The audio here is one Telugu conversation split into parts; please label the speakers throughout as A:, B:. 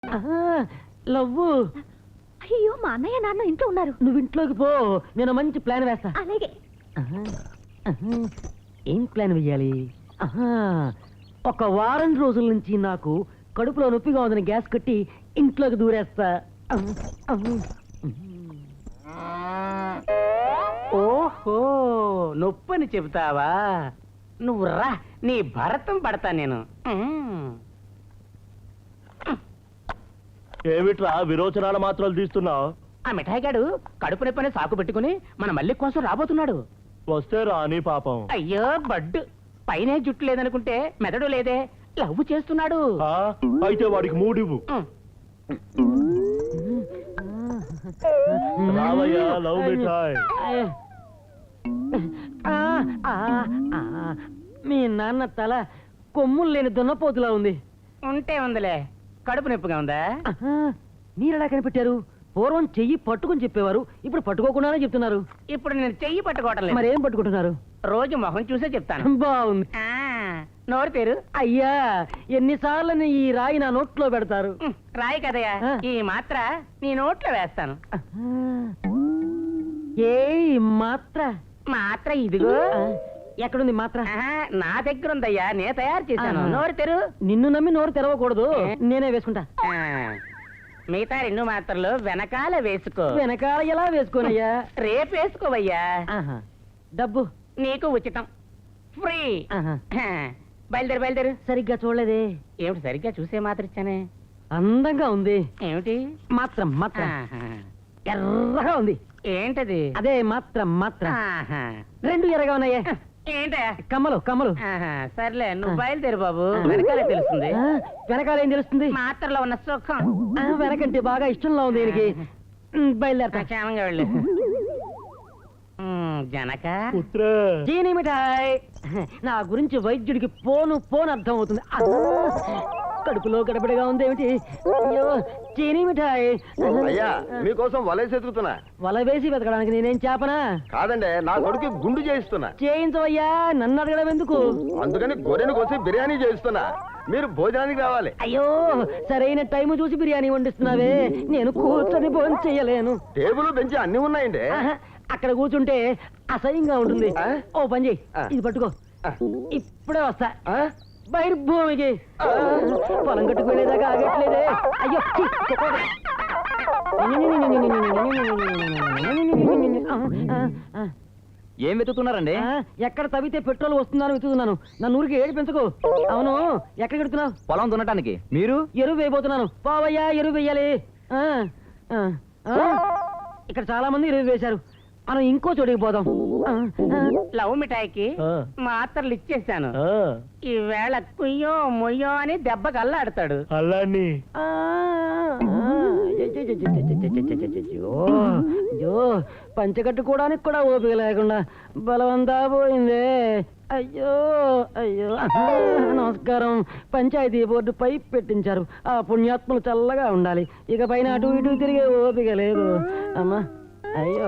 A: లవ్వు.
B: అయ్యో మా అన్నయ్య నాన్న ఇంట్లో ఉన్నారు.
A: నువ్వు ఇంట్లోకి పో, నేను మంచి ప్లాన్ వేస్తా.
B: అలాగే.
A: ఏం ప్లాన్ వెయ్యాలి? ఒక వారం రోజుల నుంచి నాకు కడుపులో నొప్పిగా ఉందని గ్యాస్ కట్టి ఇంట్లోకి దూరేస్తా.
C: ఓహో, నొప్పని చెబుతావా? నువ్వు రా, నీ భరతం పడతా నేను.
D: ఏమిట్రా విరోచనాల మాత్రాలు తీస్తున్నావు?
C: ఆ మిఠాయిగాడు కడుపు నొప్పని సాకు పెట్టుకుని మన మల్లి కోసం రాబోతున్నాడు.
D: వస్తే రాని పాపం.
C: అయ్యో బడ్డు, పైనే జుట్టు లేదనుకుంటే మెదడు లేదే, లవ్ చేస్తున్నాడు.
D: అయితే వాడికి మూడివ్వు. రావయ్యా లవ్ మిఠాయ్.
A: మీ నాన్న తల కొమ్ములు లేని దున్నపోతులా ఉంది.
C: ఉంటే ఉందిలే, కడుపు నొప్పిగా ఉందా?
A: మీరెలా కనిపెట్టారు? పూర్వం చెయ్యి పట్టుకుని చెప్పేవారు, ఇప్పుడు పట్టుకోకుండానే చెప్తున్నారు.
C: ఇప్పుడు నేను చెయ్యి పట్టుకోవటం లేదు.
A: మరేం పట్టుకుంటున్నారు?
C: రోజు మొహం చూసే చెప్తాను.
A: బాగుంది.
C: నోరు పేరు.
A: అయ్యా, ఎన్నిసార్లు ఈ రాయి నా నోట్లో పెడతారు?
C: రాయి కదయ్యా, ఈ మాత్ర నీ నోట్లో వేస్తాను.
A: ఏ మాత్ర?
C: మాత్ర ఇదిగో.
A: ఎక్కడుంది మాత్ర?
C: నా దగ్గర ఉందయ్యా, నేను తయారు చేశాను. నోరు తెరు.
A: నిన్ను నమ్మి నోరు తెరవకూడదు, నేనే వేసుకుంటా.
C: మిగతా 2 మాత్రలు వెనకాల వేసుకో.
A: వెనకాల ఎలా వేసుకోనయ్యా?
C: రేపు వేసుకోవయ్యా.
A: డబ్బు
C: నీకు ఉచితం, ఫ్రీ. బయలుదేరు బయలుదేరు.
A: సరిగ్గా చూడలేదే.
C: ఏమిటి సరిగ్గా చూసే మాత్ర ఇచ్చానే?
A: అందంగా ఉంది.
C: ఏమిటి?
A: మాత్రం మాత్రం ఎర్రగా ఉంది.
C: ఏంటది?
A: అదే మాత్రం మాత్రం. 2 ఎర్రగా ఉన్నాయే.
C: ఏంట?
A: కమ్మలు కమ్మలు.
C: సర్లే, నువ్వు బయలుదేరు బాబు. వెనకాలే తెలుస్తుంది.
A: వెనకాల ఏం తెలుస్తుంది?
C: మాత్రలో ఉన్న సుఖం.
A: వెనకంటే బాగా ఇష్టంలో ఉంది దీనికి. బయలుదేరతా.
C: క్షేమంగా వెళ్ళు. జనక
A: జీని మిఠాయ్, నా గురించి వైద్యుడికి పోను అర్థం అవుతుంది. కడుపులో గడబడిగా ఉంది ఏమిటి? అయ్యో చీనీ మిఠాయి.
D: అయ్యా మీకోసం వలేసి ఎదుగుతున్నా.
A: వల వేసి వెతకడానికి నేనేం చేపనా?
D: కాదండి, నా కొడుకు గుండు చేయిస్తున్నా.
A: చేయించవయ్యా, నన్ను అడగడం ఎందుకు?
D: అందుకని గొర్రెను కోసి బిర్యానీ చేయిస్తున్నా. మీరు భోజనానికి రావాలి.
A: అయ్యో, సరైన టైం చూసి బిర్యానీ వండిస్తున్నావే, నేను కూర్చొని భోజనం చెయ్యలేను.
D: టేబుల్ బెంచి అన్ని ఉన్నాయండి.
A: అక్కడ కూర్చుంటే అసహ్యంగా ఉంటుంది. ఓ పని చెయ్యి, ఇది పట్టుకో, ఇప్పుడే వస్తా. బహిర్భూమికి పొలం కట్టుకునేదాకా ఆగట్లేదే. అయ్యో
E: ఏం వెతుకుతున్నారండి?
A: ఎక్కడ తవ్వితే పెట్రోల్ వస్తుందని వెతుకుతున్నాను. నన్ను ఊరికి ఏడు పెంచుకో. అవును, ఎక్కడ కడుతున్నావు?
E: పొలం దున్నటానికి. మీరు?
A: ఎరువు వేయబోతున్నాను. పోవయ్యా, ఎరువు వేయాలి. ఇక్కడ చాలా మంది ఎరువు వేశారు, మనం ఇంకో చోటికి పోదాం.
C: లవ్ మిఠాయికి మాత్రలు ఇచ్చేసాను. ఈవేళ కుయ్యో మొయ్యో అని దెబ్బకి అల్లాడతాడు.
D: అల్లాన్ని
A: పంచకట్టుకోవడానికి కూడా ఓపిక లేకుండా బలవంతా పోయిందే. అయ్యో అయ్యో. నమస్కారం. పంచాయతీ బోర్డు పైప్ పెట్టించారు, ఆ పుణ్యాత్మలు చల్లగా ఉండాలి. ఇక పైన అటు ఇటు తిరిగే ఓపిక లేదు. అమ్మా అయ్యో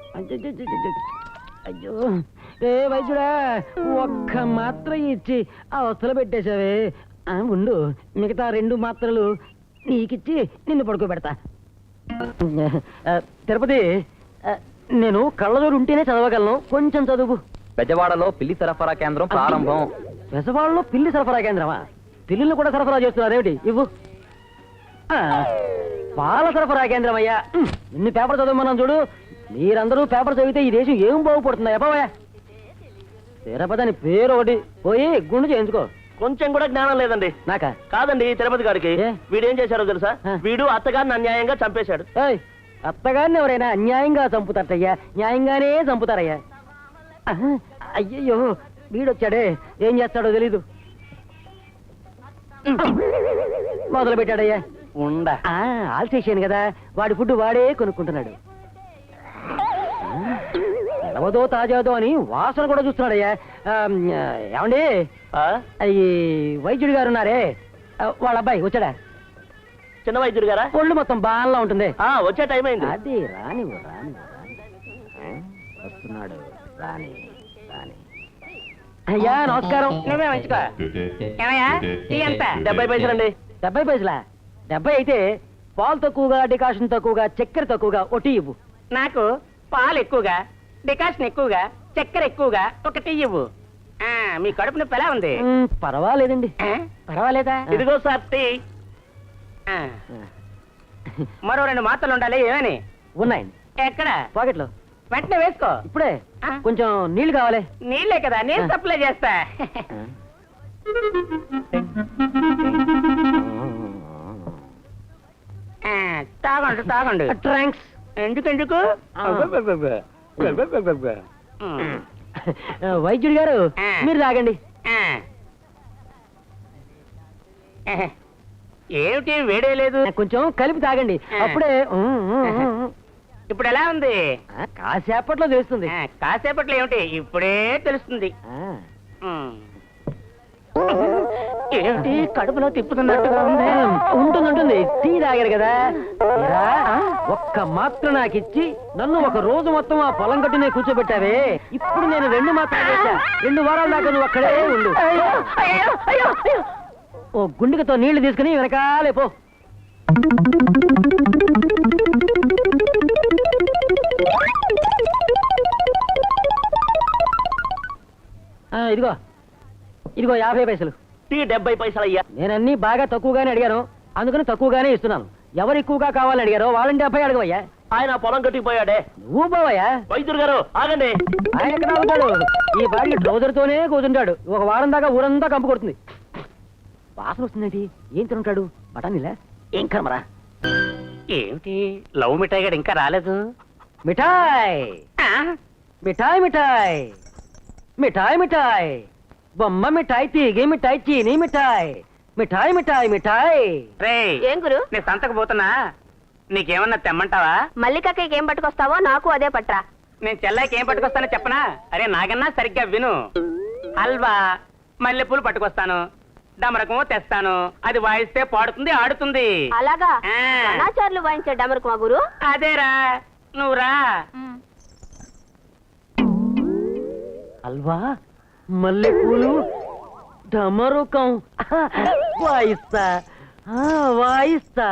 A: అయ్యో. ఏ వైద్యుడా, ఒక్క మాత్ర ఇచ్చి అవస్థలు పెట్టేశావే. ఉండు, మిగతా 2 మాత్రలు నీకిచ్చి నిన్ను పడుకోబెడతా. తిరుపతి, నేను కళ్ళజోడు ఉంటేనే చదవగలను, కొంచెం చదువు.
E: బెజవాడలో పిల్లి సరఫరా కేంద్రం ప్రారంభం.
A: బెజవాడలో పిల్లి సరఫరా కేంద్రమా? పిల్లిని కూడా సరఫరా చేస్తున్నారు ఏమిటి? ఇవ్వు. పాల సరఫరా కేంద్రం అయ్యా. ఎన్ని పేపర్ చదవమన్నాను చూడు. మీరందరూ పేపర్ చదివితే ఈ దేశం ఏం బాగుపడుతుందా? ఎప్పవయ్యా, తిరుపతి అని పేరు ఒకటి, పోయి గుండు చేయించుకో.
D: కొంచెం కూడా జ్ఞానం లేదండి.
A: నాకా?
D: కాదండి, తిరుపతి గారికి. వీడేం చేశారో తెలుసా? వీడు అత్తగారిని అన్యాయంగా చంపేశాడు.
A: అత్తగారిని ఎవరైనా అన్యాయంగా చంపుతారయ్యా? న్యాయంగానే చంపుతారయ్యా. అయ్యయ్యో, వీడొచ్చాడే, ఏం చేస్తాడో తెలీదు. మొదలు పెట్టాడయ్యా. ఆల్సేషన్ కదా, వాడి ఫుడ్ వాడే కొనుక్కుంటున్నాడు. ఎలవదో తాజాదో అని వాసన కూడా చూస్తున్నాడయ్యా. ఏమండి, ఈ వైద్యుడి గారు ఉన్నారే, వాళ్ళ అబ్బాయి వచ్చాడా?
D: చిన్న వైద్యుడు గారా?
A: ఒళ్ళు మొత్తం బాగా ఉంటుంది.
D: వచ్చే టైం అయింది.
A: అది రానివ్వు వస్తున్నాడు. రాని రాని. అయ్యా నమస్కారం.
C: నువ్వే మంచుకో.
D: 70 పైసలండి.
A: 70 పైసలా? 70 అయితే పాలు తక్కువగా, డికాషన్ తక్కువగా, చక్కెర తక్కువగా ఒట్టి ఇవ్వు.
C: నాకు పాలు ఎక్కువగా, డికాషన్ ఎక్కువగా, చక్కెర ఎక్కువగా ఒక టీ ఇవ్వు. మీ కడుపు నొప్పి ఎలా ఉంది?
A: పర్వాలేదండి.
C: పర్వాలేదా?
D: ఇదిగో సార్ టీ.
C: ఆ, మరో 2 మాత్రలు ఉండాలి. ఏమని?
A: ఉన్నాయండి
C: ఎక్కడ?
A: పాకెట్లో.
C: వెంటనే వేసుకో.
A: ఇప్పుడే
C: ఆ.
A: కొంచెం నీళ్లు కావాలి.
C: నీళ్ళే కదా, నేను సప్లై చేస్తా. తాగండి తాగండి.
A: ట్రాంక్స్.
C: ఎందుకెందుకు?
A: వైద్యుడి గారు
C: ఆ.
A: మీరు తాగండి.
C: ఏమిటి వేడే లేదు?
A: కొంచెం కలిపి తాగండి.
C: ఆ.
A: అప్పుడే
C: ఇప్పుడు ఎలా ఉంది?
A: కాసేపట్లో తెలుస్తుంది.
C: కాసేపట్లో ఏమిటి? ఇప్పుడే తెలుస్తుంది. ఏమిటి కడుపులో తిప్పుతున్నట్టుగా ఉంది?
A: ఉంటుంది. టీ తాగారు కదా. ఏరా, ఒక్క మాత్ర నాకు ఇచ్చి నన్ను ఒక రోజు మొత్తం ఆ పొలం గట్టునే కూర్చోబెట్టావే. ఇప్పుడు నేను 2 మాత్రలు చేశా. 2 వారాల దాకా నువ్వు అక్కడే ఉండు. ఓ గుండెతో నీళ్లు తీసుకుని వెనకాలే పో. ఇదిగో 50 పైసలు.
D: టీ 70 పైసలు అయ్యా.
A: నేనన్నీ బాగా తక్కువగానే అడిగాను, అందుకని తక్కువగానే ఇస్తున్నాను. ఎవరు ఎక్కువగా కావాలని అడిగారో వాళ్ళని 70 అడగవయ్యా.
D: ఆయన పొలం కట్టుకు పోయాడే.
A: నువ్వు పోవయ్యా.
D: వైద్యుడు గారు ఆగండి.
A: ఆయన ఎక్కడ ఆగుతాడు? ఈ బాడీ ట్రౌజర్తోనే కూర్చుంటాడు. ఒక వారం దాకా ఊరంతా కంపు కొడుతుంది. వాసన వస్తుందేంటి? ఏం తింటాడు? బఠానీలా? ఏం కర్మరా?
C: ఏమిటి లవ్ మిఠాయి గడు ఇంకా రాలేదు?
A: మిఠాయ్
C: ఆ?
A: మిఠాయ్ మిఠాయ్ మిఠాయ్ మిఠాయ్ బొమ్మ మిఠాయ్, తీగ మిఠాయ్, చీనీ మిఠాయ్, మిఠాయ్ మిఠాయ్ మిఠాయ్.
C: రేయ్,
B: ఏం గురు?
C: నేను సంతకు పోతున్నా. నీకేమన్నా తెమ్మంటావా?
B: మల్లికక్కకి ఏం పట్టుకొస్తావో నాకు అదే పట్రా.
C: నేను చెల్లాయికి ఏం పట్టుకొస్తానో చెప్పనా? అరే నాగన్నా సరిగ్గా విను. హల్వా, మల్లెపూలు పట్టుకొస్తాను, డమరకము తెస్తాను. అది వాయిస్తే పాడుతుంది, ఆడుతుంది.
B: అలాగా?
C: ఆ.
B: అనాచారులు వాయించే డమరుకు మా గురు.
C: అదేరా, నువ్వు రా.
A: హల్వా, మల్లెపూలు, డమరుకం. వాయిస్తా వాయిస్తా.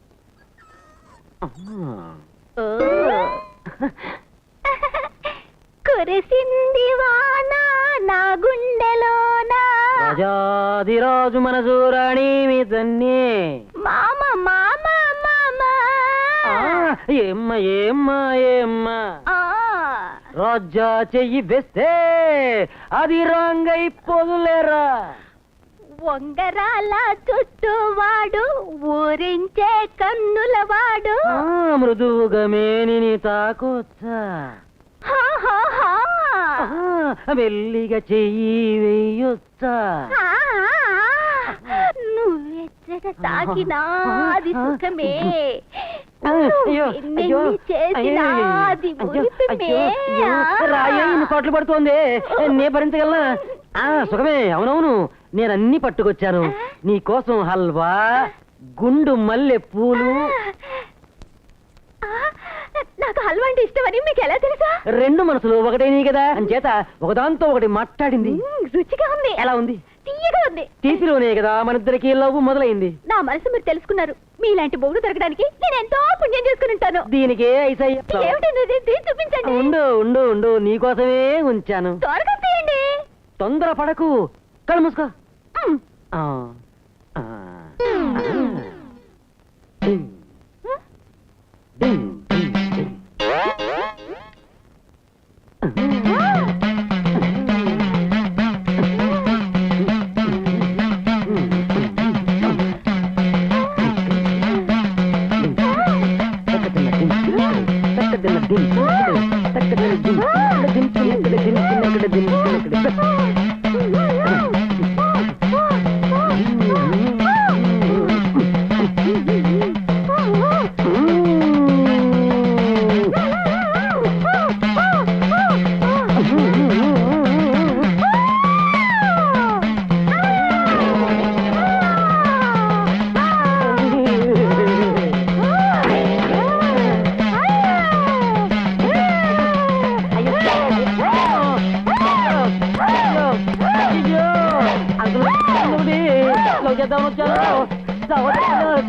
B: కురిసింది వాన నా గుండెలోనా.
A: రాజాదిరాజు మనసూరాణి మీదన్నే.
B: మామ మామ మామ.
A: ఏమ్మ ఏమ్మ ఏమ్మ.
B: ఆ.
A: రాజా చెయ్యి వేస్తే అది రాంగైపోదులేరా.
B: వంగరాల చుట్టువాడు, ఊరించే కన్నులవాడు.
A: మృదువుగా మేనిని తాకొచ్చా.
B: హా, హా, హా.
A: మెల్లిగా చెయ్యి వెయ్యొచ్చా.
B: ఆ, నువ్వెచ్చగా తాకినా అది సుఖమే.
A: అయ్యో, అయ్యో,
B: చేసినా
A: అయ్యో,
B: అది
A: అయ్యో,
B: మురిపమే.
A: అయ్యో, రాయే ఇన్ని కోట్లు పడుతోంది. నే భరించగలనా? సుఖమే. అవునవును, నేనన్నీ పట్టుకొచ్చాను నీ కోసం. హల్వా, గుండు మల్లె పూలు.
B: నాకు హల్వా అంటే ఇష్టమని మీకు ఎలా తెలుసా?
A: 2 మనసులు ఒకటే నీ కదా, అంచేత ఒకదాంతో ఒకటి మాట్లాడింది.
B: రుచిగా ఉంది.
A: ఎలా ఉంది?
B: తీయగా ఉంది.
A: తీపిలోనే కదా మనిద్దరికి లవ్ మొదలైంది.
B: నా మనసు మీరు తెలుసుకున్నారు. మీలాంటి బొగుడు దొరకడానికి నేను ఎంతో పుణ్యం చేసుకుని ఉంటాను.
A: దీనికే ఐసయ్య.
B: ఏమిటండి? చూపించండి.
A: ఉండు ఉండు ఉండు, నీకోసమే ఉంచాను.
B: త్వరగా తీయండి.
A: తొందర పడకు, కళ్ళు మూసుకో. ఆ, ఆ, డింగ్, డింగ్, డింగ్, డింగ్.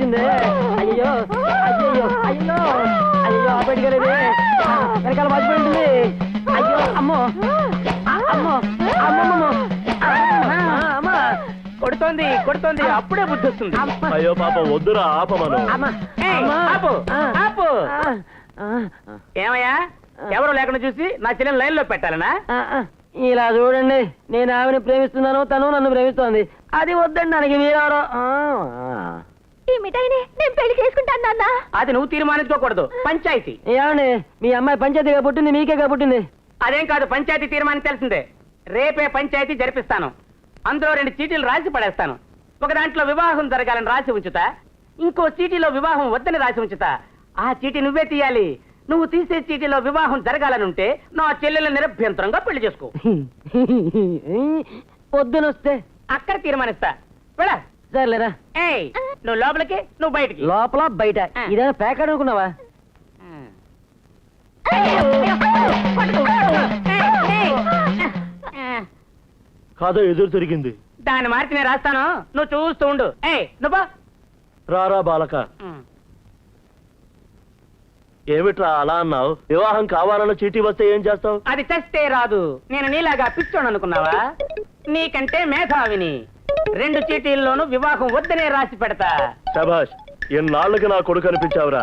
A: పోయింది. అయ్యో అయ్యో అయ్యో అయ్యో బయటకెళ్ళేది వెనకాల వాచిపోయింది. అయ్యో అమ్మో అమ్మో అమ్మమ్మ అమ్మా
C: కొడుతోంది కొడుతోంది, అప్పుడే బుద్ధి వస్తుంది.
D: అయ్యో పాప వద్దురా ఆపమను.
C: ఏయ్, ఆపు, ఆపు. ఏమయ్యా, ఎవరు లేకుండా చూసి నా చెల్లెని లైన్ లో పెట్టాలనా?
A: ఇలా చూడండి, నేను ఆమెను ప్రేమిస్తున్నాను, తను నన్ను ప్రేమిస్తోంది. అది వద్దండి దానికి మీరెవరో.
B: ఈ మిఠాయిని నేను పెళ్లి చేసుకుంటాను నాన్న.
C: అది నువ్వు తీర్మానించుకోకూడదు, పంచాయతీ.
A: ఏమండి మీ అమ్మాయి పంచాయతీగా పుట్టింది, మీకేగా పుట్టింది.
C: అదేం కాదు, పంచాయతీ తీర్మానించాల్సిందే. రేపే పంచాయతీ జరిపిస్తాను. అందులో 2 చీటీలు రాసి పడేస్తాను. ఒక దాంట్లో వివాహం జరగాలని రాసి ఉంచుతా, ఇంకో చీటీలో వివాహం వద్దని రాసి ఉంచుతా. ఆ చీటీ నువ్వే తీయాలి. నువ్వు తీసే చీటీలో వివాహం జరగాలనుంటే నా చెల్లెలు నిరభ్యంతరంగా పెళ్లి చేసుకో.
A: పొద్దునొస్తే
C: అక్కడ తీర్మానిస్తా. వెళ్ళ.
A: సర్లేరా.
C: ఏయ్, నువ్వు లోపలికి, నువ్వు బయటికి.
A: లోపల బయట ఇదేనా ప్యాకెట్ అనుకున్నావా?
D: కాదో ఎదురు తిరిగింది.
C: దాన్ని మార్చి నేను రాస్తాను, నువ్వు చూస్తూ ఉండు. ఏయ్ నువ్వు
D: రారా బాలక. ఏమిట్రా అలా అన్నావు? వివాహం కావాలన్న చీటీ వస్తే ఏం చేస్తావు?
C: అది చస్తే రాదు. నేను నీలాగా పిచ్చోడు అనుకున్నావా? నీకంటే మేధావిని. 2 చీటీల్లోనూ వివాహం వద్దనే రాసి పెడతా.
D: శభాష్, ఎన్నాళ్ళకి నా కొడుకు అనిపించావురా.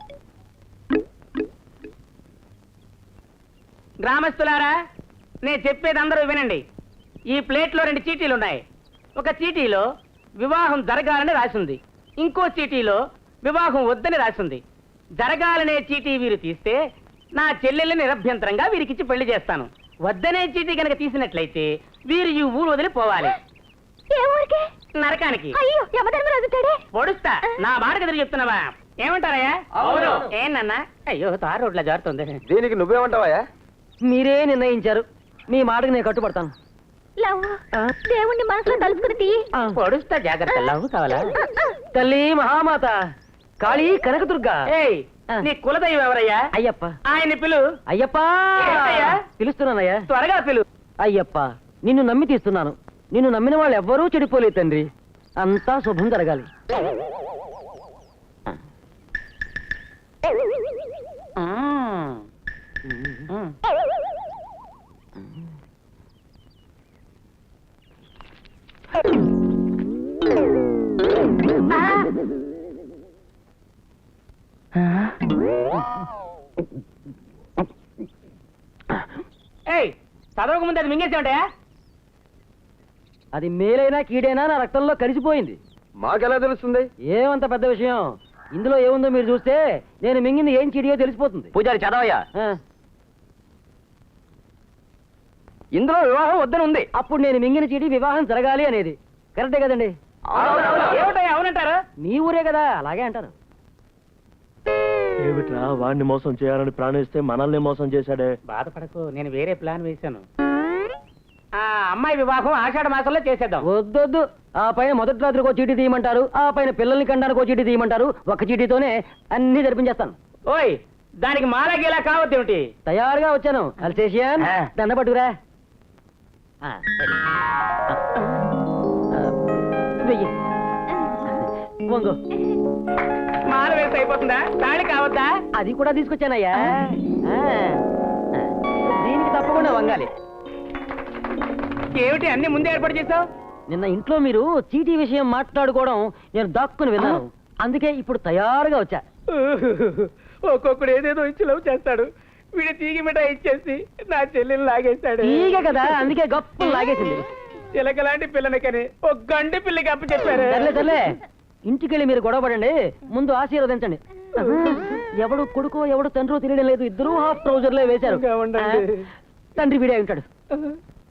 C: గ్రామస్తులారా, నేను చెప్పేది అందరూ వినండి. ఈ ప్లేట్లో 2 చీటీలు ఉన్నాయి. ఒక చీటీలో వివాహం జరగాలని రాసింది, ఇంకో చీటీలో వివాహం వద్దని రాసింది. జరగాలనే చీటీ వీరు తీస్తే నా చెల్లెల్ని నిరభ్యంతరంగా వీరికిచ్చి పెళ్లి చేస్తాను. వద్దనే చీటీ కనుక తీసినట్లయితే వీరు ఈ ఊరు వదిలి పోవాలి.
B: ఏ ఊరికి?
C: నరకానికి.
B: అయ్యో యమధర్మరాజు తడే.
C: పొడుస్తా. నా మాటకు ఎదురు చెప్తున్నావా? ఏమంటారయ్యా? అవును. ఏనన్నా? అయ్యో తారు రోడ్ల జారుతుంది.
E: దీనికి నువ్వేమంటావా?
A: మీరే నిర్ణయించారు, మీ మాటకు నేను కట్టుబడతాను.
B: లవ్ దేవుణ్ణి మనసులో తలుసుకుని తీ.
C: పొడుస్తా, జాగ్రత్త. లవ్ కావాలా?
A: తల్లి మహామాత కాళీ కనకదుర్గ.
C: ఏయ్, నీ కులదైవం ఎవరయ్యా?
A: అయ్యప్ప.
C: ఆయన పిలు.
A: అయ్యప్ప
C: ఏంటయ్యా?
A: పిలుస్తున్నానయ్యా.
C: త్వరగా పిలు.
A: అయ్యప్ప, నిన్ను నమ్మి తీస్తున్నాను. నిన్ను నమ్మిన వాళ్ళు ఎవ్వరూ చెడిపోలేదు తండ్రి. అంతా శుభం జరగాలి.
C: ఏయ్, చదవక ముందు అది మింగేసేమంటాయా?
A: అది మేలైనా కీడైనా నా రక్తంలో కలిసిపోయింది.
E: మాకెలా తెలుస్తుంది?
A: ఏమంత పెద్ద విషయం. ఇందులో ఏముందో మీరు చూస్తే నేను మింగింది ఏం చీడియో తెలిసిపోతుంది.
E: పూజారి చదవయ్యా.
A: ఆ,
E: ఇందులో వివాహం వద్దని ఉంది.
A: అప్పుడు నేను మింగిన చీడి వివాహం జరగాలి అనేది కరెక్టే కదండి?
C: ఏమిటయ్యా అవునంటారు?
A: మీ ఊరే కదా, అలాగే అంటారు.
D: ఏమిట్రా, వాడిని మోసం చేయాలని ప్రాణిస్తే మనల్ని మోసం చేశాడే.
C: బాధపడకు, నేను వేరే ప్లాన్ వేశాను. ఆ అమ్మాయి వివాహం ఆషాఢ మాసంలో చేసేద్దాం.
A: వద్దొద్దు. ఆ పైన మొదటి రాత్రికి చీటీ తీయమంటారు, ఆ పైన పిల్లల్ని కండానికి చీటీ తీయమంటారు. ఒక చీటీతోనే అన్ని జరిపించేస్తాను.
C: ఓయ్, దానికి మాలగేలా కావద్దేమిటి?
A: తయారుగా వచ్చాను. అల్సేషియన్ దండ పట్టుకురా. వెయ్యి. వంగు.
C: మాల వేసి అయిపోతుందా? తాళి కావద్దా?
A: అది కూడా తీసుకొచ్చానయ్యా. దీనికి తప్పకుండా వంగాలి.
C: ఏమిటి అన్ని ముందే ఏర్పాటు చేసావు?
A: నిన్న ఇంట్లో మీరు చీటీ విషయం మాట్లాడుకోవడం నేను దాక్కుని విన్నాను. అందుకే ఇప్పుడు తయారుగా వచ్చా.
C: ఒక్కొక్కడు ఏదేదో ఇచ్చి లవ్ చేస్తాడు. వీడు తీగి మిఠాయి ఇచ్చేసి నా చెల్లెలు లాగేశాడు.
A: ఈగ కదా, అందుకే గొప్ప లాగేసింది.
C: చిలక లాంటి పిల్లని కని ఒక గండి పిల్లకి అప్పు చెప్పారు.
A: సర్లే సర్లే, ఇంటికెళ్ళి మీరు గొడవ పడండి. ముందు ఆశీర్వదించండి. ఎవడు కొడుకో ఎవడు తండ్రో తెలియడం లేదు, ఇద్దరూ హాఫ్ ట్రౌజర్లే వేశారు.
C: ఇంకా ఉండండి.
A: తండ్రి వీడే ఉంటాడు.